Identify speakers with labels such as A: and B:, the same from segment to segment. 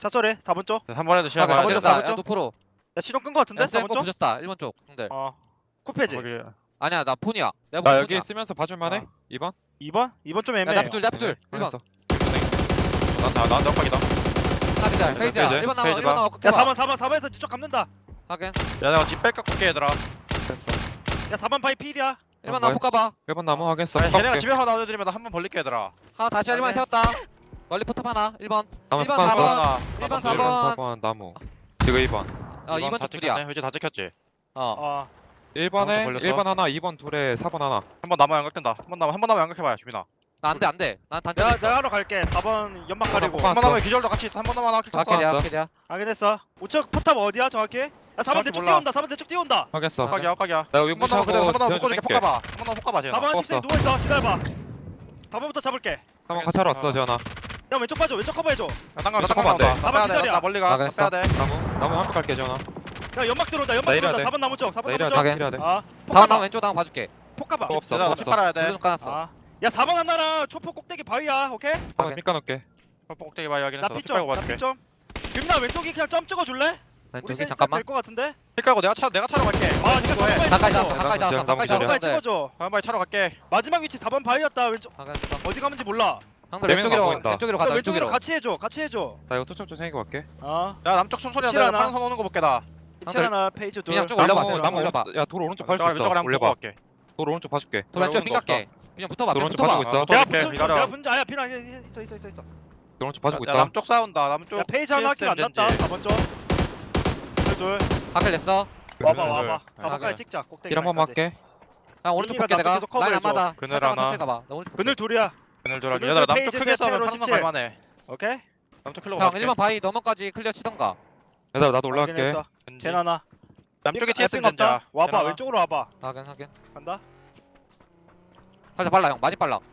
A: 차 소리 4번 쪽.
B: 한 번에도 시야
A: 가게,
B: 봐야
A: 먼저
B: 돼.
A: 가보자.
C: 야
A: 쪽.
C: 노프로
A: 야 시동 끈 거 같은데
C: 야
A: 4번
C: 셀프
A: 쪽?
C: 부셨다 1번 쪽 형들
A: 코페지.
B: 거기
C: 아니야 나 폰이야 내가
D: 나
C: 본
D: 여기
C: 폰이야
D: 있으면서 봐줄만해?
A: 아.
D: 2번?
A: 2번 좀
C: 야
A: 애매해.
C: 나프줄 나프줄 1번
D: 알겠어.
B: 나 넉박이다.
C: 하기자 페이지야
D: 페이지.
C: 1번 나와
B: 페이지
C: 1번
B: 봐.
C: 나와
A: 야 4번에서 뒤쪽 감는다.
C: 하긴
B: 야 내가 집 뺄까 꿀게 얘들아.
D: 됐어.
A: 야 4번 바이 필이야.
C: 1번 나와 poka봐
D: 1번 나무 하겠어.
B: 아니, 걔네가
D: 깎게.
B: 집에서 나눠드리면 나 한 번 벌릴게 얘들아.
C: 하나 다시 1번에
A: 오케이.
C: 세웠다 멀리 포탑 하나 1번
D: 나무
C: 1번
D: 깎았어.
C: 4번
B: 하나.
C: 1번
D: 1번
C: 4번
D: 4번 나무. 지금 2번.
C: 2번
B: 다
C: 쪽 둘이야
B: 찍혔네. 이제 다 찍혔지.
C: 어
D: 1번에
B: 걸렸어?
D: 1번 하나, 2번 둘에 4번 하나.
B: 한 번 남아 양각된다. 한 번 남아 양각해봐요 주민아.
C: 나 안돼 안돼 난 단체
A: 내가
C: 있어
A: 내가 하러 갈게. 4번 연막 가리고.
D: 볶아.
B: 한 번 남아 기절도 같이 있어. 한 번 남아 킬 탔어.
C: 아케리야
D: 깎았어.
C: 아케리야
A: 확인했어. 우측 포탑 어디야 정확히? 야 4번
B: 정확히
A: 대쪽
B: 몰라.
A: 뛰어온다. 4번 대쪽 뛰어온다.
D: 하겠어.
B: 깍이야 깍이야.
D: 나 여기
B: 한 번 남아
D: 무시하고
B: 그대로 한 번 남아
D: 지원 좀
B: 묶어줄게.
D: 할게.
B: poka봐. 한 번 남아 poka봐 쟤나.
A: 4번
D: 없어.
A: 식생 누워있어. 기다려봐. 4번부터 잡을게.
D: 4번 같이 하러 왔어 지원아.
A: 형 왼쪽 봐줘. 왼쪽 커버해줘.
B: 땅강
D: 나
B: 땅강
D: 잠깐만,
B: 나온다.
A: 안 돼.
B: 빼야 돼.
A: 기다려.
B: 나 멀리 가.
C: 알겠어.
B: 빼야 돼.
D: 나무 한번 갈게 지원아.
A: 야 연막 들어온다. 연막
D: 나 이래야
A: 들어온다.
D: 돼.
A: 4번 나무 쪽. 4번
D: 나
A: 나무
D: 이래야
A: 쪽.
D: 돼.
C: 아,
D: 이래야 돼.
C: 4번 나와 왼쪽 나와 봐줄게
A: 폭가봐.
D: 없어
B: 얘들아
D: 없어.
B: 팔아야 돼.
C: 블루는 까놨어
A: 야 4번 하나랑 초포 꼭대기 바위야. 오케이?
D: 한번 삐까 놓을게.
B: 꼭대기 봐야 하긴 했어.
A: 나
B: 피
A: P점.
B: 깔고
A: 나
B: 봐줄게.
A: P점. 김나 왼쪽이 그냥 점 찍어줄래? 우리
C: 왼쪽이
A: 센스
C: 잠깐만
A: 될것 같은데?
B: 피 깔고 내가 차로 갈게.
A: 아 니가
B: 이거 해.
A: 4번
C: 가까이
A: 찍어줘.
C: 잡았어 가까이
D: 나무
C: 잡았어 가까이
D: 기절.
A: 가까이
C: 잡았어
A: 찍어줘.
B: 한 번에 차로 갈게.
A: 마지막 위치 4번 바위였다. 왼쪽
C: 형들
A: 어디 가는지 몰라.
C: 형들
D: 네 명은
C: 왼쪽으로
D: 보인다.
C: 왼쪽으로
A: 야,
C: 가자
A: 왼쪽으로
C: 왼쪽으로
A: 같이 해줘. 같이 해줘.
D: 나 이거 투척 좀 생기고 갈게.
A: 어.
B: 야 남쪽 숨소리야.
A: 입질
B: 내가
A: 하나.
B: 파란 선 오는 거 볼게 나.
A: 입질 하나 페이지 둘.
C: 그냥 쭉 올려봐
D: 나무
C: 나무 올려봐
D: 야돌 오른쪽 봐줄 수
B: 왼쪽으로
D: 있어.
B: 한번 보고
D: 올려봐.
B: 갈게.
D: 돌 오른쪽 봐줄게.
C: 돌 왼쪽
B: 오는
C: 삥
B: 거
C: 깎게 그냥 붙어봐
D: 돌
C: 그냥
D: 오른쪽
C: 붙어봐
D: 봐주고 있어.
A: 내가
B: 오케이,
A: 붙은
B: 기다려.
A: 내가 분자 아야 피나 있어.
D: 돌 오른쪽 봐주고
B: 야,
D: 있다.
B: 남쪽 싸운다. 남쪽.
A: 야 페이지 하나 할게 안 났다.
B: 젠지.
A: 4번 쪽. 둘.
C: 하필 냈어
A: 와봐.
C: 그래.
A: 4번까지 찍자. 꼭대기.
D: 일 한번
A: 라인까지.
D: 할게.
C: 나 오른쪽
A: 민기가
C: 볼게 내가
A: 나도 계속
C: 라인 안
A: 커버해줘.
C: 맞아
B: 그늘
C: 잠깐만
B: 하나.
C: 천천히 가봐 나 오른쪽
A: 그늘 둘이야.
B: 그늘 돌아기.
A: 그늘
B: 얘들아
A: 페이지
B: 남쪽 크게 싸우면
A: 세트로
B: 파란 선
A: 17.
B: 갈만해.
A: 오케이?
B: 남쪽 킬로
C: 형
B: 갈게.
C: 1번 바위 너머까지 클리어 치던가
D: 얘들아 나도 올라갈게.
A: 확인했어. 젠 하나.
B: 남쪽에
A: 삥
B: TS
A: 없다.
B: 젠자.
A: 와봐. 왼쪽으로 와봐.
C: 확인
A: 간다.
C: 살짝 빨라 형 많이 빨라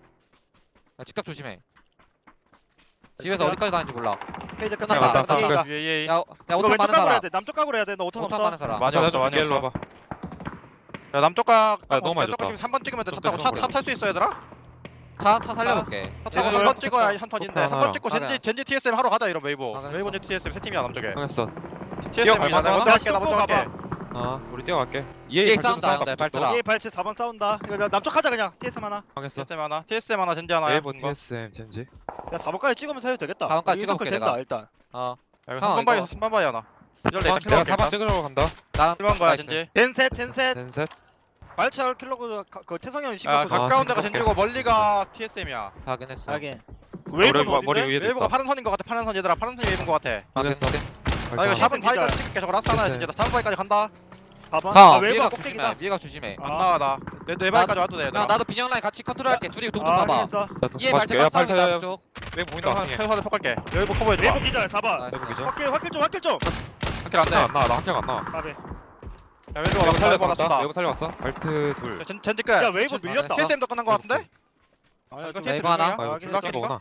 C: 야 직각 조심해 집에서
A: 그래?
C: 어디까지 가는지 몰라
A: 페이지
C: 끝났다,
A: 끝났다.
C: 끝났다.
A: 페이지가.
B: 예예.
C: 야
A: 이거
C: 오탄
A: 왼쪽
C: 많은
A: 각으로 해야
C: 사람
A: 돼. 남쪽 각으로 해야 돼. 너 오탄
C: 오탄
A: 없어.
C: 많은 사람
B: 많이
D: 나
B: 없어 많이
D: 일로
B: 없어.
D: 와봐.
B: 야 남쪽 각.
D: 아, 너무 많이
B: 남쪽 각
D: 줬다.
B: 3번 찍으면 돼. 차
D: 좀
B: 타고
D: 좀
B: 차탈 수 있어 얘들아?
C: 차 살려볼게
B: 차 타고
A: 얘들
B: 3번 찍어야 한 턴인데.
D: 오빠
B: 한 번
D: 하나랑.
B: 찍고
C: 하나야.
B: 젠지 TSM 하러 가자 이런 웨이브.
C: 아,
B: 웨이브 젠지 TSM 세 팀이야 남쪽에.
D: 하겠어.
B: TSM
D: 갈만하다.
B: 이나 먼저
A: 나
B: 갈게 나 먼저
A: 씹고
B: 갈게.
D: 아 우리 뛰어갈게.
C: 뒤에
D: EA
C: 싸운다,
D: 발전소
C: 형들, 발전소.
A: 얘 발치 4번 싸운다. 이거 나 남쪽 하자 그냥. TSM 하나.
D: 하겠어.
B: TSM 하나 젠지 하나야.
D: 웨이브 TSM 젠지.
A: 야 4번까지 찍으면서 해도 되겠다.
C: 4번까지
A: 우리
C: 찍어볼게,
A: 인서클 된다
C: 내가.
A: 일단.
C: 어
B: 야,
C: 형,
B: 3번 바위
C: 이거-
B: 3번 바위 하나. 기절
D: 내가
B: 내가
D: 4번 찍으러 간다.
C: 나랑
B: 1번 가야
C: 나이스.
B: 젠지.
A: 젠셋.
D: 젠셋.
A: 발치 킬로그 그 태성 형이
B: 아
A: 신경 써.
B: 가까운 데가
D: 아,
B: 젠지고 멀리가 TSM이야.
C: 확인했어
A: 하긴. 웨이브는
D: 머리
A: 어딘데?
D: 위에
B: 웨이브가
D: 있다.
B: 파란 선인 것 같아. 파란 선 얘들아. 파란 선이 웨이브인 것 같아.
C: 확인했어
B: 나 이거
A: 샵-
B: 4번 바위까지 찍을게. 저거 라스 하나야 진짜. 나 4번 바위까지 간다.
A: 4번.
C: 형
A: 웨이브가
C: 위에가
A: 꼭대기다.
C: 조심해 위에가 조심해
B: 안
A: 아.
B: 나와 나. 내 바위까지 와도 돼
C: 형
B: 얘들아.
C: 나도 빈형 라인 같이 컨트롤할게 둘이 동쪽
A: 아,
C: 봐봐
A: 확인했어.
D: 나
C: 얘
D: 봐줄게.
C: 발대
D: 야
C: 빡싸움이다
D: 발차.
C: 그쪽
D: 웨이브 보인다. 나중에.
B: 태우산에 폭갈게. 웨이브 커버해줘.
A: 웨이브 기절 4번.
C: 나이스.
D: 웨이브 기절.
A: 확킬 좀.
B: 확킬 안 돼.
D: 안 나와. 나 학교 안 나와.
A: 까비.
B: 야 웨이브가 나
D: 웨이브
B: 살려봐 나
D: 살려봤다.
B: 쏜다.
D: 웨이브 살려봤어. 발트 둘.
B: 젠지 끝.
A: 야 웨이브 밀렸다.
B: TSM도 끝난 것 같은데?
A: 아니야,
B: 이거
A: 좀-
B: TSM
C: 웨이브 하나?
B: 중이야?
D: 아 이거
A: 확인했어.
D: 둘다 거구나.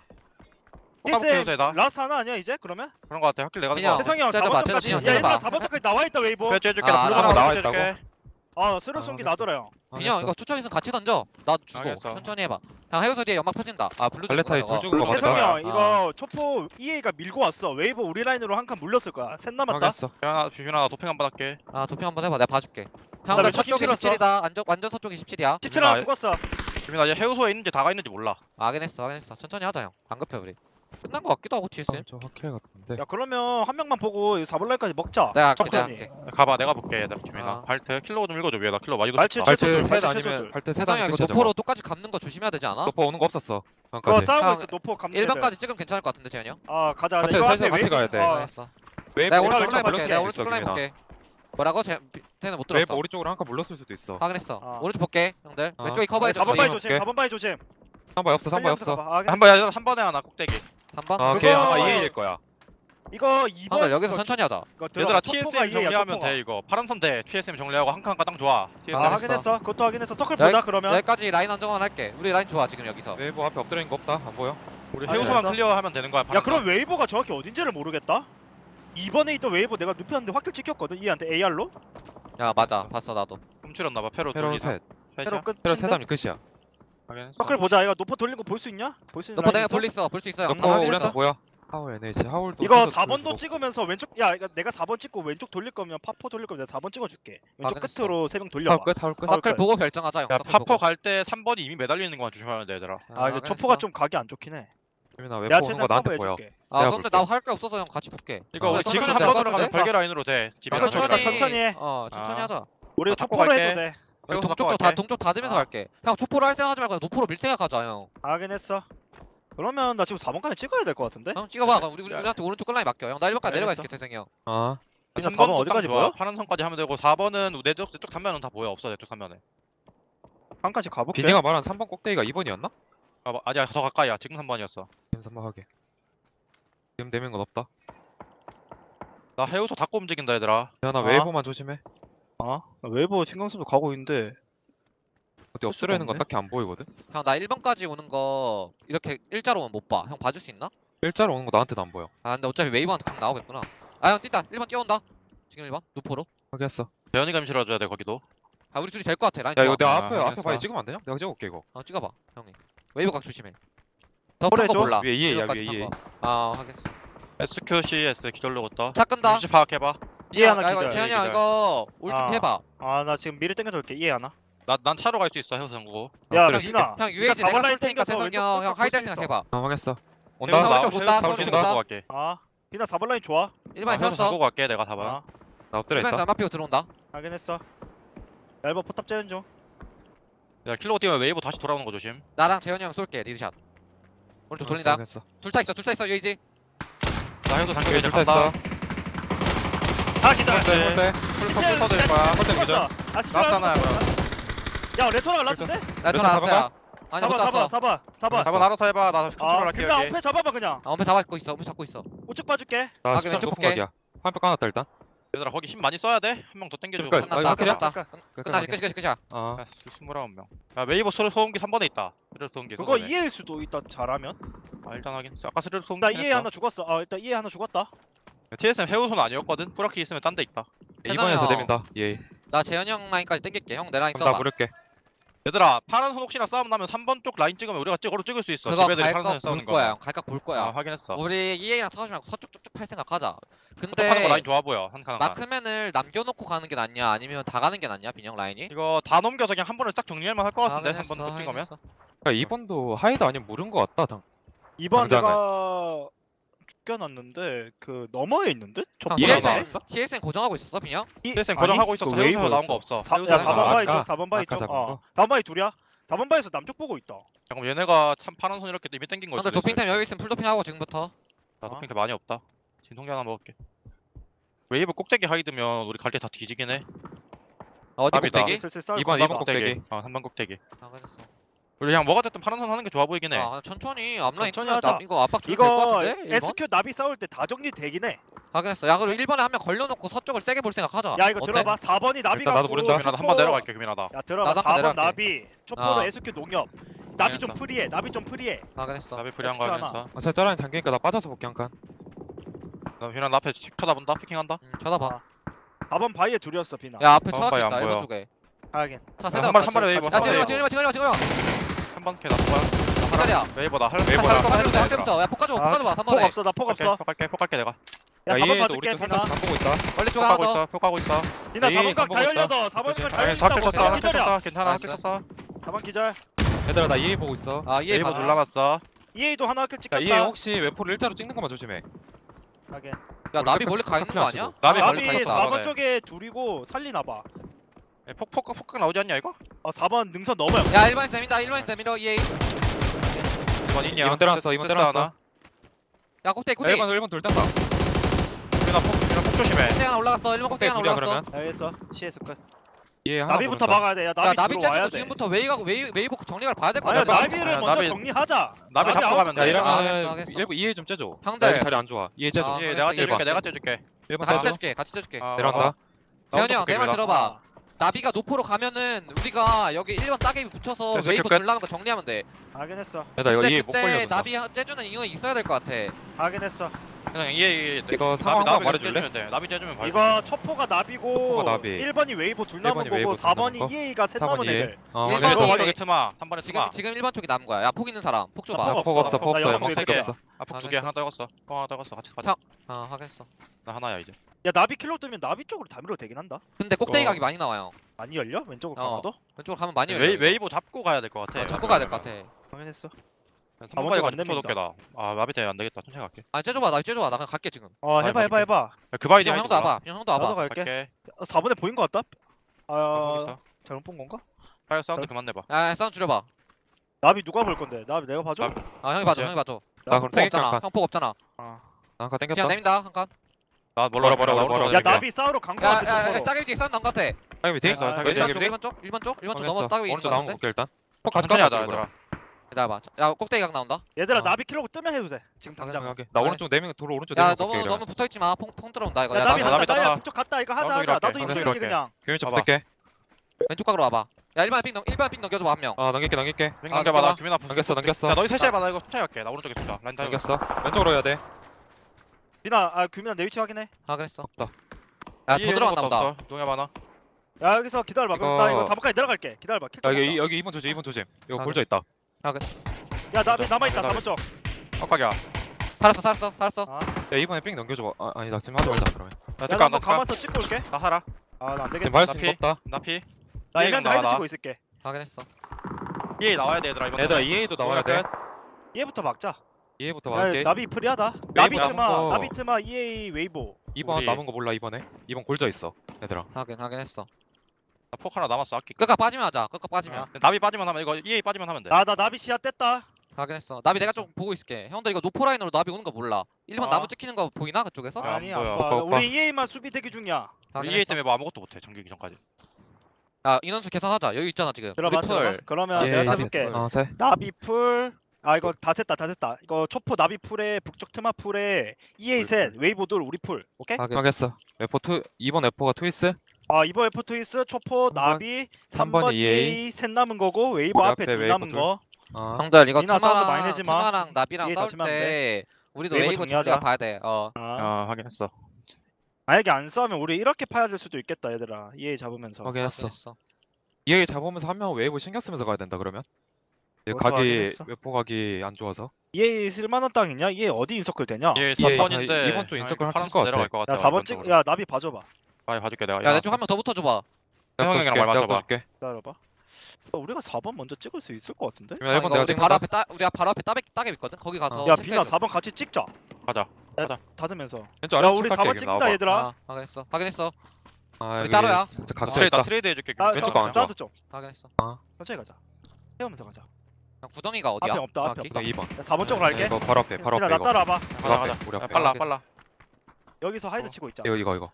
A: TSM 라스트 하나 아니야 이제 그러면?
B: 그런 것 같아. 확킬 내가
C: 그냥.
B: 거.
A: 태성이 형
C: 째려봐,
A: 4번까지.
C: 째려봐,
A: 야
C: 째려봐.
A: 얘들아 4번까지 나와 있다 웨이브.
B: 배치 해줄게.
C: 아,
B: 나 블루가
D: 나와
B: 나와
D: 있다고?
B: 있다고.
A: 아 스루 쏜기
D: 알겠어.
A: 나더라 형.
C: 빈형 이거 투척 있으면 같이 던져 나도 주고
B: 알겠어.
C: 천천히 해봐 형 해우서 뒤에 연막 펴진다 아 블루
D: 발레타이
C: 줄 거야,
D: 둘 죽은 거
A: 태성이
D: 같다.
A: 형 이거 초포 EA가 밀고 왔어. 웨이브 우리 라인으로 한 칸 물렸을 거야. 셋 남았다.
D: 하겠어.
B: 비현아 도핑 한번 할게.
C: 저거. 아 도핑 한번 해봐 내가 봐줄게
A: 나
C: 형들
A: 왼쪽
C: 서쪽이
A: 힘실었어.
C: 17이다 완전 서쪽이 17이야
A: 17 하나
B: 아,
A: 죽었어.
B: 비현아 얘 해우소에 있는지 다가 있는지 몰라.
C: 확인했어 천천히 하자 형안 급해 우리 끝난 거 같기도 하고 TSM
D: 저 확킬 같은데.
A: 야 그러면 한 명만 보고 4번 라인까지 먹자.
C: 내가 할게 내가
A: 천천히.
C: 할게
B: 가봐 내가 볼게 얘들아 비현아.
C: 아.
B: 발트 킬로 좀 읽어줘 위에다 킬로 많이
A: 발치
B: 줬다.
A: 최소
D: 발트
A: 둘,
D: 셋
A: 발치
D: 아니면
A: 최소들.
D: 발트 셋
C: 세상에
D: 아니면
C: 이거
D: 끝이야.
C: 노포로 똑같이 감는 거 조심해야 되지 않아?
D: 노포 오는 거 없었어.
A: 그거
D: 여기까지.
A: 싸우고
C: 형,
A: 있어. 노포 감는
C: 1번까지 찍으면 괜찮을 것 같은데 재현이 형?
A: 아 가자.
D: 같이
A: 이거
D: 살살
A: 앞에
D: 같이
A: 웨이브-
D: 가야 돼.
A: 어,
C: 알겠어
D: 웨이브
C: 내가
D: 오른쪽
C: 오른쪽 라인 볼게
D: 물렸을
C: 내가
D: 수도
C: 오른쪽
D: 있어,
C: 라인
D: 기민아.
C: 볼게 뭐라고? 쟤는 못
D: 웨이브
C: 들었어
D: 오른쪽으로 한 칸 물렀을 수도 있어.
C: 확인했어
A: 아.
C: 오른쪽 볼게 형들
D: 아.
C: 왼쪽이 커버해줘
A: 4번 바위
D: 웨이브
A: 조심.
D: 볼게.
A: 4번 바위 조심.
D: 3번 없어. 3번 없어.
B: 한번 얘들아 3번에 하나 꼭대기.
C: 3번?
D: 아,
A: 그거-
D: 걔 아마 EA일 거야.
A: 이거 2번
C: 형들 여기서 천천히 하자
B: 얘들아 TSM 정리하면 돼 이거. 파란 선대 TSM 정리하고 한 칸 가장 좋아. TSM.
A: 아
C: 알겠어.
A: 확인했어. 그것도 확인했어. 서클
C: 여기-
A: 보자 그러면.
C: 여기까지 라인 안정화 할게 우리 라인 좋아 지금 여기서
D: 웨이브 앞에 엎드리는 거 없다. 안 보여?
B: 우리
A: 아,
B: 해우소만
A: 알겠어.
B: 클리어하면 되는 거야.
A: 야
B: 파란
A: 그럼 웨이버가 정확히 어딘지를 모르겠다. 이번에 있던 웨이버 내가 눕혔는데 확킬 찍혔거든. 얘한테 AR로.
C: 야 맞아 봤어 나도
B: 훔치렸나 봐. 페로
D: 페로
B: 돌리나.
D: 셋.
A: 새로 끝.
D: 페로 셋 하면 끝이야.
B: 확인했어.
A: 서클 보자. 이거 노포 돌린 거 볼 수 있냐? 볼 수 있는
C: 너퍼
A: 라인
C: 내가
A: 있어?
C: 볼수 있어 형
D: 노포
A: 아,
D: 우리한테
A: 알겠어.
D: 보여. 하울 NH 하울도
A: 이거
D: 계속
A: 4번도
D: 보여주고.
A: 찍으면서 왼쪽 야 이거 내가 4번 찍고 왼쪽 돌릴 거면 파포 돌릴 거면 내가 4번 찍어줄게. 왼쪽
C: 확인했어.
A: 끝으로 3명
D: 하울
A: 돌려봐.
D: 끝 하울 끝.
A: 하울
C: 서클
A: 끝.
C: 보고 결정하자 형.
B: 야
C: 서클
B: 파퍼
C: 보고.
B: 갈 때 3번이 이미 매달려 있는 거만 조심하면 돼 얘들아.
A: 아 이거 초포가 좀 각이 안 좋긴 해.
D: 재민아 왜
A: 내가
D: 보는 거
A: 최대한
D: 나한테 보여.
A: 커버해줄게.
C: 아
D: 내가
C: 근데
D: 볼게.
C: 나 할 게 없어서 형 같이 볼게.
B: 이거
C: 아,
B: 우리 지금
C: 천천히
B: 3번
C: 할것
B: 들어가면
C: 같은데?
B: 별개 라인으로 돼. 집이랑
A: 천천히
B: 저기랑.
A: 천천히 해.
C: 천천히
B: 아.
C: 하자.
A: 우리
B: 나
A: 초포로
B: 갈게.
A: 해도 돼.
B: 해우소
C: 동쪽도
B: 갖고
C: 다
B: 갈게.
C: 동쪽 다 되면서
A: 아.
C: 갈게. 형 초포로 할 생각하지 말고 노포로 밀 생각하자 형.
A: 하긴 했어. 그러면 나 지금 4번까지 찍어야 될 것 같은데?
C: 형 찍어봐. 그럼 우리한테 오른쪽 끝라인 맡겨. 형 나 1번까지 내려가 있을게 태생이 형.
D: 아
A: 그냥
B: 3번
A: 4번 어디까지 보여?
B: 파란 선까지 하면 되고 4번은 내쪽 단면은 다 보여. 없어 내쪽 단면에.
A: 한칸씩 가볼게.
D: 비니가 말한 3번 꼭대기가 2번이었나?
B: 아, 아니야 더 가까이야. 지금 3번이었어.
D: 지금 3번 하게. 지금 되면 건 없다.
B: 나 해우소 닫고 움직인다 얘들아.
D: 재현아
A: 아.
D: 웨이브만 조심해.
A: 나 웨이버 신경쓰도 가고 있는데
D: 어디 엎드려 있는 건
A: 없네.
D: 딱히 안 보이거든.
C: 형 나 1번까지 오는 거 이렇게 일자로 오면 못 봐. 형 봐줄 수 있나?
D: 일자로 오는 거 나한테도 안 보여.
C: 아 근데 어차피 웨이브한테 강 나오겠구나. 아 형 뛴다. 1번 뛰어온다. 지금 1번 노포로.
D: 확인했어.
B: 대현이가 임실어줘야 돼 거기도.
C: 아 우리 둘이 될 것 같아. 라인
D: 야
C: 좋아.
D: 이거 내가
B: 아,
D: 앞에
B: 확인했어.
D: 바위 찍으면 안 되냐? 내가 찍어볼게 이거.
C: 찍어봐 형이. 웨이브 각 조심해. 더
A: 그래,
C: 큰 거
A: 줘.
C: 몰라.
D: 위에 이에, 야,
C: 1번까지
D: 위에
C: 탄
D: 이에.
C: 거. 아 하겠어.
B: SQCS 기절로 걷다.
C: 차 끈다.
B: 위치 파악해봐.
A: 이해 하나
C: 야, 이거
A: 기절.
C: 재현이 형
B: 기절.
C: 이거 올
A: 아.
C: 준비해봐.
A: 아 나 지금 미리 땡겨서 올게. 이해 하나?
B: 난 차로 갈 수 있어 해우소 전구.
A: 야
D: 엎드려
A: 민아.
C: 형 UAG
A: 네가
C: 내가
A: 4번
C: 쏠
A: 라인
C: 테니까
A: 땡겨서
C: 태성이 형
A: 왼쪽
C: 하이달
A: 볼 수 있어.
C: 생각해봐.
D: 확인했어.
B: 해우소
D: 온다.
C: 나-
B: 나
C: 오른쪽
B: 해우소
C: 본다,
B: 해우소
C: 오른쪽
B: 잡고
C: 본다.
B: 갈게.
A: 아 비나 4번 라인 좋아.
C: 1번에
B: 해우소
C: 섰어.
B: 잡고 갈게 내가 4번.
A: 아
D: 나 엎드려
C: 1번에서
D: 있다.
C: 연막 피고 들어온다.
A: 확인했어. 얇아 포탑 재는 중.
B: 야 킬로 뛰면 웨이브 다시 돌아오는 거 조심.
C: 나랑 재현이 형 쏠게 리드샷. 오른쪽 돌린다.
D: 확인했어.
C: 둘 다 있어 UAG.
B: 나 해우소 당겨
D: 여기
B: 이제
D: 둘다
B: 간다.
D: 있어.
A: 아 기절.
B: 네. 풀 터질 거야.
D: 홀대 기절.
A: 아 진짜.
B: 나왔잖아요, 그럼.
A: 야 레토나가 라스인데?
C: 나
D: 몇
C: 전화
D: 번
C: 왔어요. 아니 못
A: 4번
C: 땄어.
A: 4번
B: 4번 알아서 해봐. 나 컨트롤
A: 아
B: 할게
A: 그냥
B: 여기.
A: 엄폐 잡아봐 그냥.
C: 아 엄폐 잡고 있어. 엄폐 잡고 있어.
A: 우측 봐줄게.
D: 나
C: 아,
D: 시점
C: 왼쪽
D: 높은
C: 볼게.
D: 각이야. 한표 까놨다 일단.
B: 얘들아 거기 힘 많이 써야 돼. 한 명 더 땡겨줘.
D: 그러니까,
C: 끝났다.
D: 아, 그래?
C: 끝났다. 끝나지 끝이야.
D: 아
B: 29명. 야 웨이브 소음기 3번에 있다. 스르르 소음기.
A: 그거
B: 소음기.
A: 이해일 수도 있다 잘하면.
B: 아 일단 확인. 아까 스르르 소음기.
A: 나 이해 하나 죽었어. 아 일단 이해 하나 죽었다.
B: TSM 해우소는 아니었거든. 뿌라키 있으면 딴 데 있다.
D: 2번에서
C: 형.
D: 내민다. 예.
C: 나 재현이 형 라인까지 땡길게. 형 내 라인
D: 그럼 나
C: 써봐.
D: 물을게.
B: 얘들아 파란 손 혹시나 싸움 나면 3번 쪽 라인 찍으면 우리가 찍을 수 있어.
C: 그거
B: 집애들이 파란
C: 갈까
B: 손에 싸우는
C: 볼 거야.
B: 거.
C: 형 갈까 볼
B: 아
C: 거야.
B: 확인했어.
C: 우리 EA랑 싸우지 말고 서쪽 쭉쭉 팔 생각하자.
B: 하는 거 라인
C: 근데
B: 좋아 보여. 한 칸.
C: 마크맨을 남겨놓고 가는 게 낫냐 아니면 다 가는 게 낫냐 빈형 라인이?
B: 이거 다 넘겨서 그냥 한 번에 딱 정리할 만할 것 같은데. 한 번
C: 확인했어,
B: 못 찍으면.
C: 확인했어.
D: 그러니까 2번도 하이드 아니면 물은 거 같다. 당.
A: 2번
D: 당장을.
A: 내가 죽여놨는데 그 너머에 있는데? 저
D: 형,
A: 보라네?
D: 이해가
C: TSN
D: 나왔어?
C: TSN 고정하고 있었어 빈형?
B: TSN 고정하고 있었어. 해우소에서 나온 거 없어.
A: 야
B: 해우소에서
A: 4번
B: 나온 거
A: 바위
D: 아까-
A: 쪽 4번 바위
D: 아까
A: 쪽
D: 잡은
A: 어
D: 거?
A: 4번 바위 둘이야? 4번 바위에서 남쪽 보고 있다.
B: 그럼 얘네가 참 파란 손 이렇게 이미 땡긴 거
C: 형들
B: 있어.
C: 도핑타임 여기 있으면 풀도핑하고 지금부터.
B: 나 도핑 때 많이 없다. 진통제 하나 먹을게. 웨이브 꼭대기 하이드면 우리 갈 때 다 뒤지긴 해.
C: 어디
B: 답이다.
C: 꼭대기?
A: 슬슬 싸울
D: 2번
A: 건가
D: 2번
A: 봐.
D: 꼭대기.
B: 3번 꼭대기.
C: 아 그랬어.
B: 우리 그냥 뭐가 됐든 파란 손 하는 게 좋아 보이긴 해.
C: 아 천천히 앞라인
A: 천천히
C: 치면
A: 하자.
C: 나 이거 압박 줄것
A: 이거
C: 같은데? 1번?
A: SQ 나비 싸울 때 다 정리되긴 해.
C: 확인했어. 야 그리고 1번에 한 명 걸려놓고 서쪽을 세게 볼 생각하자.
A: 야 이거
C: 어때?
A: 들어봐. 4번이 나비
D: 일단 나도
A: 갖고
D: 모른다.
B: 규민아 한 번 내려갈게 규민아다.
A: 야 들어봐.
C: 나도 한번
A: 4번
C: 내려갈게.
A: 나비 초포로
C: 아.
A: SQ 농협. 나비 좀
B: 알겠어.
A: 프리해. 나비 좀 프리해.
C: 확인했어.
B: 나비 프리한 거
A: SQ 하나.
B: 하면서.
D: 아, 짜라인 잠기니까 나 빠져서 볼게 한 칸.
B: 나 규민아 나 앞에 책 쳐다본다. 피킹한다.
C: 쳐다봐.
A: 아. 4번 바위에 둘이었어 비나.
C: 야 앞에
B: 다음 바위
C: 쳐다본다
B: 안
C: 1번
B: 보여.
C: 쪽에.
A: 하긴.
C: 차
B: 한
C: 세대
B: 번 한 번에 웨이브.
A: 같이
C: 야
B: 한 번에
C: 지금
B: 웨이브.
C: 지금
B: 한번 걔 놔둬.
C: 기다려.
B: 웨이브다.
D: 웨이브다.
C: 한 대부터. 야 폭가줘. 폭가줘 봐.
A: 폭
C: 3번에.
A: 없어. 나 폭 없어.
B: 폭 갈게 내가.
A: 야
D: 야
A: 4번
D: 얘도
A: 봐줄게
D: 우리 쪽
A: 비나.
D: 살짝 간 보고 있다.
C: 원래 쪽
B: 폭
C: 하나
B: 가고
C: 더.
B: 있어. 폭 가고 있어.
A: 비나
D: 에이,
A: 4번 각 다
D: 간 보고 있다.
A: 열려서 4번이 각 다
B: 아니
A: 열린다고.
B: 사킬 쳤어.
A: 기절이야.
B: 사킬 쳤어. 괜찮아.
C: 나이스.
B: 사킬 쳤어.
A: 4번 기절.
D: 얘들아 나 EA 보고 있어.
C: 아 이해
B: 웨이브
C: 봐.
B: 둘 남았어.
A: EA도 하나 킬
D: 야
A: 찍혔다.
D: EA 혹시 웨포를 일자로 찍는 것만 조심해.
A: 하긴.
C: 야 나비 멀리 가 있는 거 아니야?
B: 나비
C: 아,
B: 멀리
A: 나비
B: 가 있어.
A: 4번 쪽에 둘이고 살리나 봐.
B: 폭 나오지 않냐 이거?
A: 4번 능선 넘어요.
C: 야 1번에 세민다 1번에 세민러 EA.
B: 2번 있냐?
D: 이번 때려놨어, 이번 때려놨어.
C: 야 꼭대기
D: 야,
C: 꼭대기.
D: 1번 돌 딴다.
B: 규민아 폭 조심해.
C: 꼭대기 하나 올라갔어. 1번 꼭대기 하나
D: 둘이야
C: 올라갔어.
D: 그러면.
A: 알겠어. CS 끝.
D: EA 하나
A: 나비부터
D: 모른다.
A: 막아야 돼. 야
C: 야
A: 나비
C: 나비
A: 들어와야
C: 째도
A: 돼.
C: 지금부터 웨이브 정리를 봐야 될 거
A: 아니야
C: 같아.
A: 나비를
B: 야,
A: 먼저
B: 나비-
A: 정리하자.
B: 나비 잡고
A: 아웃
B: 가면
D: 야
B: 돼.
D: 이러면
C: 알겠어.
D: 일부 EA 좀 째줘.
C: 형들.
D: 나 다리 안 좋아. EA 째줘.
C: 아,
B: 예,
C: 알겠어,
B: 내가
C: 이해봐.
B: 째줄게. 내가 째줄게.
D: 1번
C: 같이
D: 째줘.
C: 째줄게. 같이 째줄게.
D: 내려간다.
C: 재현이 형 내 말
B: 나부터
C: 들어봐. 나비가 노포로 가면은 우리가 여기 1번 따개비 붙여서
B: 됐어,
C: 웨이브
B: 끝.
C: 돌라는 거 정리하면 돼.
A: 하긴 했어.
D: 야, 나 이거
C: 근데
D: EA 못
C: 그때
D: 걸려준다.
C: 나비 째주는 이유가 있어야 될 것 같아.
A: 하긴 했어.
B: 그냥 이해
D: 이거 상황 한번
B: 나비
D: 말해줄래?
B: 째주면 돼. 나비 째주면 봐.
A: 이거 첫포가 나비고
D: 첫포가 나비.
A: 1번이 웨이브 둘 남은
D: 1번이
A: 거고
D: 웨이브 둘 남은
A: 4번이
D: 거?
A: EA가 셋
D: 4번
A: 남은
D: EA.
A: 애들.
D: 어,
C: 일번
D: 확인했어.
C: EA.
B: 이거 트마. 3번에 트마.
C: 지금 1번 쪽이 남은 거야. 야 폭 있는 사람 폭 줘봐.
A: 나
D: 폭 없어. 폭
A: 나
D: 없어.
A: 영상
D: 폭
B: 볼게.
D: 없어.
B: 아폭
C: 아,
B: 2개
C: 됐어.
B: 하나 떨궜어. 뻥 하나 떨궜어. 같이 가자.
C: 아 확인했어.
B: 나 하나야 이제.
A: 야 나비 킬로 뜨면 나비 쪽으로 다 밀어도 되긴 한다.
C: 근데 꼭대기
B: 어.
C: 각이 많이 나와요.
A: 많이 열려? 왼쪽으로
C: 어.
A: 가봐도?
C: 왼쪽으로 가면 많이 열려.
B: 웨이브 잡고 가야 될 것 같아.
C: 잡고 가야 될 것 같아.
A: 확인했어.
B: 3번까지
A: 안
B: 가지고
A: 됩니다.
B: 쳐놓게다. 아 나비 때문에 안 되겠다. 천천히 갈게.
C: 아 째줘봐 나 째줘봐 나 그냥 갈게 지금.
A: 어
B: 아니,
A: 해봐.
B: 야, 그 바이디
C: 형 형도 와봐. 형 형도
A: 나도
C: 와봐.
A: 갈게.
B: 갈게.
A: 4번에 보인 거 같다?
B: 아,
A: 아
B: 있어.
A: 잘못 본 건가?
B: 파이어 사운드 그만 내봐.
C: 야 사운드 줄여봐.
A: 나비 누가 볼 건데? 나비 내가 봐줘?
B: 나비.
C: 아 형이 봐줘
B: 오케이.
C: 형이 봐줘.
D: 나 그럼
C: 폭
D: 땡길게
C: 없잖아.
D: 한 칸.
C: 형 폭 없잖아.
A: 아.
D: 나 아까 땡겼다.
C: 그냥 내민다 한 칸.
B: 나 몰라
D: 뭐라,
B: 나
D: 뭐라,
B: 오른쪽
A: 야
B: 갈게.
A: 나비 싸우러 간 거 같아
C: 야야
A: 쪽으로.
C: 따개비 사운드 나온 것 같아.
D: 따개비 뒤?
B: 알겠어, 알겠어.
D: 왼쪽
B: 따개비.
D: 따개비 뒤?
C: 1번 쪽 넘어 따개비 있는
D: 오른쪽
C: 거
D: 나온 거
C: 같은데.
D: 볼게 일단. 폭 같이
B: 천천히 하자
D: 가자
B: 얘들아.
C: 기다려봐. 야 꼭대기 각 나온다.
A: 얘들아
D: 어.
A: 나비 킬로 뜨면 해도 돼. 지금 당장.
D: 오케이. 나
C: 알았어.
D: 오른쪽 네명 도로 오른쪽
C: 야
D: 네명 볼게.
C: 너무 너무 붙어 있지 마. 퐁 들어온다 이거.
A: 야
C: 야
A: 나비
B: 나비
A: 한다.
B: 땄다.
A: 나야 그쪽 갔다 이거 하자
B: 나도
A: 하자. 나도
B: 이렇게.
A: 이거
B: 알겠어.
A: 그냥.
D: 규민이
B: 봐봐.
D: 붙을게.
C: 왼쪽 각으로 와봐. 야 1번 핑 넘겨줘봐 한 명.
D: 넘길게.
B: 링
C: 아,
B: 넘겨봐. 나
C: 넘겨봐.
B: 규민 앞.
D: 넘겼어.
B: 야 너희 셋이 해봐. 나 이거 천천히 갈게. 나 오른쪽에 둔다. 라인 타고.
D: 넘겼어. 왼쪽으로 해야 돼.
A: 비나 아 규민아 내 위치 확인해.
C: 아 그랬어.
D: 없다.
C: 야더 들어왔나 보다.
B: 동해 많아.
A: 야 여기서 기다려봐. 그럼 나 이거 4번까지 내려갈게. 기다려봐. 킬
D: 야
A: 좀 먹자.
D: 여기 2번 조심. 이거
C: 아,
D: 골져 있다.
A: 야 나비 남아있다
B: 나비.
A: 4번 쪽.
B: 깜빡이야.
C: 살았어.
A: 아.
D: 야 이번에 삥 넘겨줘봐. 아니다 지금 하지 말자 그러면.
B: 나
A: 야
B: 잠깐
A: 나 한번
B: 나
A: 가만서 찍고 올게.
B: 나 살아.
A: 아 나 안
D: 지금
A: 되겠다.
D: 맞을 수
B: 나
D: 있는 거 없다.
B: 나 피.
A: 나
B: 얘
A: 일면
B: 나와,
A: 나이드
B: 나.
A: 치고 있을게.
C: 확인했어.
B: 얘 나와야 돼 얘들아 이번.
D: 얘들아 EA도 나와야 돼.
A: 얘부터 막자.
D: EA부터
A: 야
D: 막을게.
A: 나비 프리하다.
D: 웨이브
A: 나비트마
D: 남은 거.
A: 나비트마 EA 웨이보.
D: 2번
B: 우리-
D: 남은 거 몰라 이번에. 2번 골져 있어. 얘들아.
C: 확인했어.
B: 나폭 하나 남았어. 아낄게.
C: 끝까 빠지면 하자. 끝까 빠지면.
B: 나비 빠지면 하면 이거 EA 빠지면 하면 돼.
A: 나 나비 시야 뗐다.
C: 확인했어. 나비 내가 좀 보고 있을게. 형들 이거 노포 라인으로 나비 오는 거 몰라. 1번
A: 아.
C: 나무 찍히는 거 보이나 그쪽에서?
B: 야, 안
A: 아니
B: 보여.
A: 안 봐.
D: 오빠, 오빠.
A: 우리 EA만 수비 대기 중이야.
B: 우리 EA
C: 확인했어.
B: 때문에 뭐 아무것도 못해. 전기기 전까지.
C: 야 인원수 계산하자. 여기 있잖아 지금.
A: 들어봐
C: 우리
A: 들어봐.
C: 풀.
A: 그러면
D: 예,
A: 내가
D: 예,
A: 세볼게.
C: 예.
A: 나비 풀. 아 이거 다 됐다. 이거 초포 나비 풀에 북쪽 트마 풀에 EA 셋 웨이보들 우리 풀. 오케이?
C: 확인.
D: 하겠어. F2 2번 F가 트위스.
A: 아 이번 F 트위스 초포
D: 3번,
A: 나비
D: 3번
A: 3번
D: EA,
A: EA 셋 남은 거고 웨이보
D: 우리
A: 앞에
D: 앞에
A: 둘
D: 웨이보
A: 남은
D: 둘.
A: 거.
C: 형들 이거
A: 니나 사운드 많이 내지 마.
C: 투마랑 나비랑
A: EA
C: 싸울
A: 다치면 안
C: 때 우리도
A: 웨이브
C: 웨이브 좀
A: 정리하자.
C: 우리가 봐야 돼.
A: 아.
B: 확인했어.
A: 만약에 안 싸우면 우리 이렇게 파야될 수도 있겠다 얘들아. EA 잡으면서.
D: 확인했어.
C: 확인했어.
D: EA 잡으면서 한 명 웨이브 신경 쓰면서 가야 된다 그러면.
A: 그것도
D: 각이
A: 확인했어.
D: 웨포 각이 안 좋아서.
A: EA 쓸만한 땅 있냐? EA 어디 인서클 되냐?
B: 얘
D: EA
B: 4번인데
D: 이번 주 인서클 할수 있을 것 같아.
B: 내려갈 것 같아.
A: 야 4번 찍. 야 나비 봐줘봐.
B: 많이 봐줄게 내가.
C: 야 내 쪽 한 명 더 붙어줘봐.
D: 내가
B: 형이랑
D: 떠줄게,
B: 말
D: 내가
B: 맞춰봐.
D: 떠줄게.
A: 기다려봐. 우리가 4번 먼저 찍을 수 있을 것 같은데?
D: 그러면 1번
C: 이거
D: 내가
C: 우리
D: 찍는다.
C: 바로 앞에 우리 바로 앞에 따개 있거든. 거기 가서.
A: 야
C: 체크해줘.
A: 비나 4번 같이 찍자.
B: 가자.
A: 닫으면서.
D: 왼쪽
A: 야
D: 아래
A: 우리 4번 찍는다 얘들아.
C: 아 확인했어.
D: 아,
C: 우리
D: 여기
C: 따로야.
D: 진짜 각자
B: 트레이드
D: 있다.
B: 트레이드 해줄게.
A: 나
D: 왼쪽도 안 좋아.
A: 사운드 좀.
C: 확인했어.
A: 천천히 가자. 세우면서 가자.
C: 형 구덩이가 어디야?
A: 앞에 없다, 앞에
C: 정확히?
A: 없다.
D: 나 2번.
A: 야 4번 쪽으로 갈게.
D: 이거 바로 앞에 바로
A: 비나
D: 앞에
A: 나
D: 이거.
A: 따라와봐.
D: 바로
B: 가자
D: 앞에
B: 가자.
D: 우리
B: 야,
D: 앞에.
B: 빨라
C: 오케이.
B: 빨라.
A: 여기서 하이드 치고 있자.
D: 이거.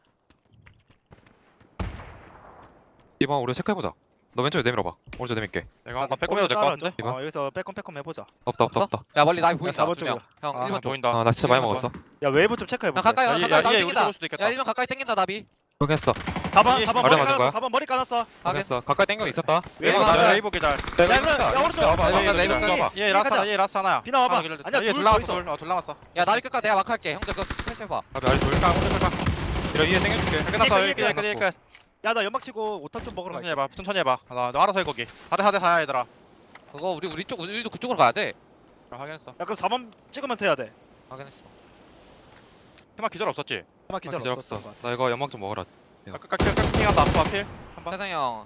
D: 2번 우리 체크해 보자. 너 왼쪽에 내밀어 봐. 오른쪽 내밀게.
B: 내가 한번 빼꼼해도 될 것 같은데?
D: 이거?
A: 여기서 빼꼼 해보자.
D: 없다.
C: 없어?
D: 없다.
C: 야 멀리 나비 보인다.
A: 4번
C: 두 명.
A: 쪽으로.
C: 형
A: 아,
C: 1번 쪽.
B: 보인다.
D: 아 나 진짜 많이
C: 이거
D: 먹었어.
A: 야 웨이브 좀 체크해볼게.
C: 형 가까이 와.
B: 야,
C: 가까이
B: 얘
C: 나비
B: 우리
C: 땡긴다.
B: 잡을 수도 있겠다.
C: 야 1번 가까이 땡긴다 나비.
D: 확인했어.
A: 4번
B: 이게
A: 4번
D: 아래
A: 머리
D: 맞은
A: 까놨어.
D: 거야?
A: 4번 머리 까놨어.
C: 확인.
D: 확인했어. 가까이 땡겨 있었다.
A: 웨이브
C: 웨이브
A: 가자.
B: 웨이브 기다려.
D: 내가
A: 야, 그래,
D: 있다.
A: 야, 오른쪽.
D: 와봐,
C: 웨이브
D: 와봐,
C: 웨이브
D: 와봐.
C: 웨이브.
B: 얘 라스트 하나 얘 라스트 하나야.
A: 비나 와봐.
B: 하나 길러줘.
A: 아니야,
B: 얘
A: 둘
B: 둘
A: 더
B: 남았어. 둘 남았어.
C: 야 나비 끝까 내가 마크할게. 형들 그거 패스해봐.
D: 가비 아래 돌. 이러 위에 땡겨줄게.
B: 끝났어.
A: 이게
B: 여기 끝.
A: 야 나 연막 치고 5탄 좀 먹으러
B: 천천히
A: 갈게.
B: 해봐. 천천히 해봐. 너 알아서 해 거기. 4대 4야 얘들아.
C: 그거 우리도 그쪽으로 가야 돼.
B: 확인했어.
A: 야 그럼 4번 찍으면서 해야 돼.
C: 확인했어.
B: 테마 기절 없었지?
A: 연막 기절
D: 기절
A: 없었어.
D: 없어. 나 이거 연막 좀 먹어라.
B: 끝까지 핑한다. 앞에 한번.
C: 태상이 형.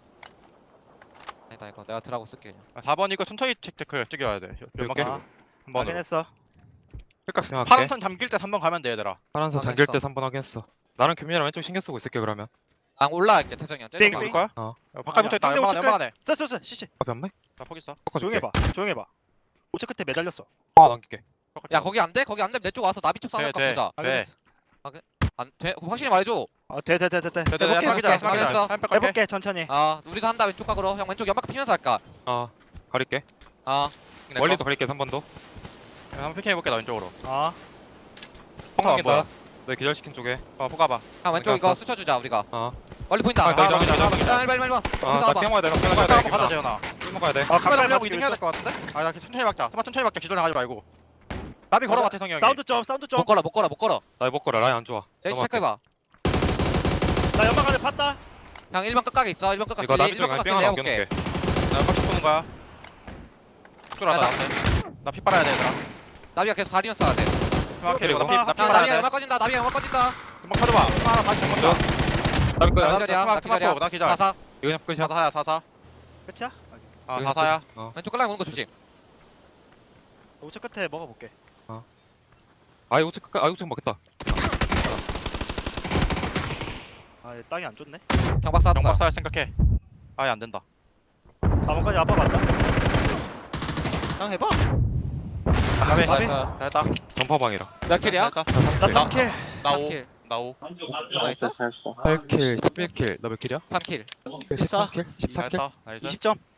C: 아니다 이거 내가 드라고 쓸게 그냥.
B: 4번 이거 천천히 체크 뛰겨야 돼. 연막
D: 이렇게?
B: 치고. 한 번으로.
A: 확인했어.
B: 그러니까
D: 생각할게.
B: 파란 선 잠길 때 3번 가면 돼 얘들아.
D: 파란색
C: 확인했어.
D: 잠길 때 3번 확인했어. 나는 규민이랑 왼쪽 신경 쓰고 있을게 그러면.
C: 아 올라갈게 태상이 형.
A: 빙,
C: 째려봐.
A: 빙.
B: 볼 거야?
D: 어.
B: 바깥 붙어 있다.
A: 상대
B: 연막
A: 우측
B: 연막하네.
A: 쎄 시시.
D: 앞에 안 매?
B: 나 포기 있어.
A: 조용히 해봐. 조용히 해봐. 우측 끝에 매달렸어.
D: 아 넘길게.
C: 야 거기 안 돼? 거기 안 되면 내 쪽 와서 나비 쪽 싸움할까
B: 돼,
C: 보자.
A: 알겠어.
C: 안 돼? 확실히 말해줘.
A: 돼.
B: 네네네.
A: 해볼게.
C: 확인했어.
A: 해볼게 천천히.
C: 아 우리도 한다 왼쪽 각으로. 형 왼쪽 연막 피면서 할까?
D: 가릴게.
C: 아
D: 멀리도 가릴게 3번도.
B: 한번 피킹 해볼게 나 왼쪽으로.
A: 아
D: 펑이다. 너 기절시킨 쪽에.
B: 포가봐.
C: 형 왼쪽 이거
D: 알겠어.
C: 스쳐주자 우리가.
D: 어.
C: 멀리 보인다.
D: 아, 나 이제
B: 기절.
C: 자 1번.
D: 아나 핑 와야 돼. 핑 와야 돼.
B: 한번 가자 재현아.
D: 핑 먹어야 돼.
A: 아
B: 가까이
A: 가까이
B: 하려고
A: 맞추기로
B: 이동 해야 될
A: 했어.
B: 것 같은데? 나 천천히 막자. 천천히 막자. 기절 나가지 말고. 나비 걸어봐 태성이 형이.
A: 사운드 좀 사운드 좀.
C: 못 걸어.
D: 나 이거 먹거라. 라인 안 좋아.
C: 여기
D: 넘어갈게.
C: 체크해봐.
A: 나 연막 안에 팠다.
C: 형 1번 끝각에 있어. 1번 끝각.
D: 이거 나비 쪽에
C: 1번
D: 삥
C: 끝각
D: 하나
C: 내볼게.
D: 넘겨놓게.
B: 나 빡쳐 보는 거야. 죽으라
C: 야,
B: 나피 빨아야 돼 얘들아.
C: 나비가 계속 다리면 쏴야 돼.
B: 음악 캐리고
D: 그리고.
B: 나
C: 야
B: 피
C: 나비가
B: 맞아야
C: 연막 꺼진다. 나비가 연막 꺼진다.
B: 음악 커져봐 하나 다시 먹자
D: 나비 거야.
B: 나
C: 기절이야.
B: 투마,
C: 나 기절이야.
B: 투마 나 기절.
C: 사사.
D: 이거 그냥 끝이야.
B: 4사야 4사
A: 끝이야?
B: 아 4사야
C: 왼쪽 깔라 오는 거 조심.
A: 우측 끝에 먹어볼게.
D: 아 이거 우측 아 이거 우측 먹겠다.
A: 아얘 땅이 안 좋네.
C: 경박 쏴둔다.
B: 경박 쌀 생각해 아예 안 된다
A: 4번까지 아빠 간다. 그냥 해봐.
B: 나비
C: 나이스.
B: 잘했다
D: 전파방이라.
C: 몇 킬이야?
B: 잘했다
A: 나 3킬.
B: 나오
C: 3킬.
B: 나오
C: 나이스.
D: 8킬, 11킬. 너 몇 킬이야?
C: 3킬.
D: 13킬? 14킬?
B: 잘했다 나이스
A: 20점.